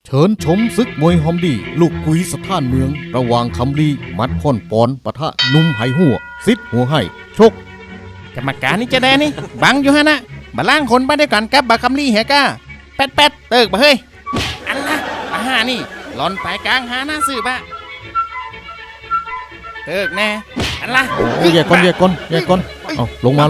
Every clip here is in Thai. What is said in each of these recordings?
เชิญชมศึกมวยฮอมดีลูกกุยสถานเมืองระหว่างคำลีมัดค่อนปอนปะทะนุ่มไหหัวซิดหัวให้ชกกรรมการนี่จะได้นี่บังอยู่ฮะนะมาล่างคนไปด้วยกันกับบาคัมลี่เฮก้าแป๊ดเติกมาเฮ้ยอันละมาห้านี่หลอนไปกลางหาหน้าสื่อปะเติกแน่อันละแยกก่อนเอาลงมา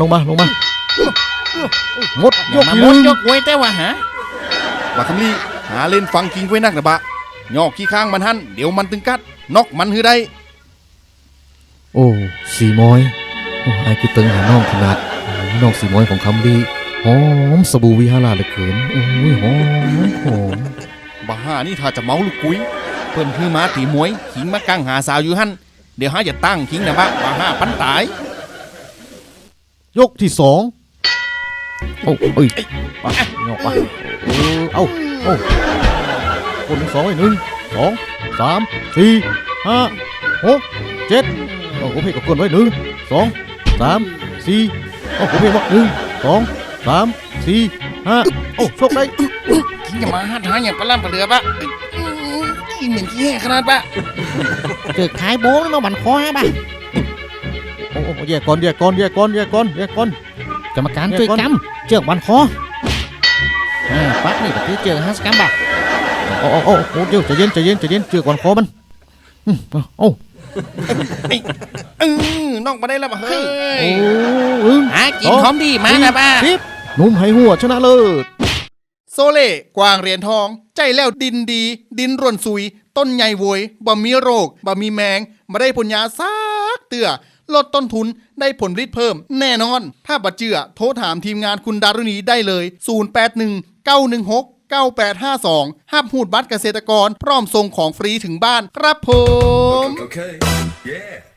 หมดยยกกที่มหนึ่ดงยกไว้แต่ว่าหาบาคำลี่หาเล่นฟังคิงไว้นักนะบะยอกขี้ข้างมันหันเดี๋ยวมันตึงกัดนอกมันฮือได้โอ้สีมอยโอ้ไอ้คือตึงหาน้องขนาดน้องสีมอยของคำลีหอมสบู่วิหาราเหลือเกินโอ้ยหอมบาห้านี่ถ้าจะเมาลูกกุ้ยเพิ่นฮือมาตีมวยขิงมากลางหาสาวอยู่หันเดี๋ยวหาจะตั้งขิงนะบะบาห้าปันตายยกที่สองโอ้ยไปงอกไปเอาคนที่สองไว้1 2 3 4 5 6 7เอาผมเพกกับคนไว้1 2 3 4เอาผมเพกว่า1 2 3 4 5โอ้โชคได้ขิงจะมาหาอย่างปลาล่ำปลาเรือปะกินเหม็นขี้แห่ขนาดปะเกิดขายโบ้แล้วมาบันคอฮะบ่ะโอ้แยกก่อนกรรมการช่วยกำเจือกบันคอปั๊บนี่ก็คือเจือก50 กรัมบ่ะโอ้เดี๋ยวใจเย็นเจือกก่อนคอมันโอ้นอกมาได้แล้วปะเฮ้ยโอ้หากินหอมดีมานะปะ 10นุ่มไหหัวชนะเลิศโซเล่กวางเหรียญทองใจแล้วดินดีดินร่วนซุย ต้นใหญ่โวยบ่มีโรคบ่มีแมงมาได้ผลยาซักเตือลดต้นทุนได้ผลผลิตเพิ่มแน่นอน ถ้าบัดเจือโทรถามทีมงานคุณดารุณีได้เลย 0819169852 ห้ามหูดบัตรเกษตรกรพร้อมส่งของฟรีถึงบ้านครับผม Okay. Yeah.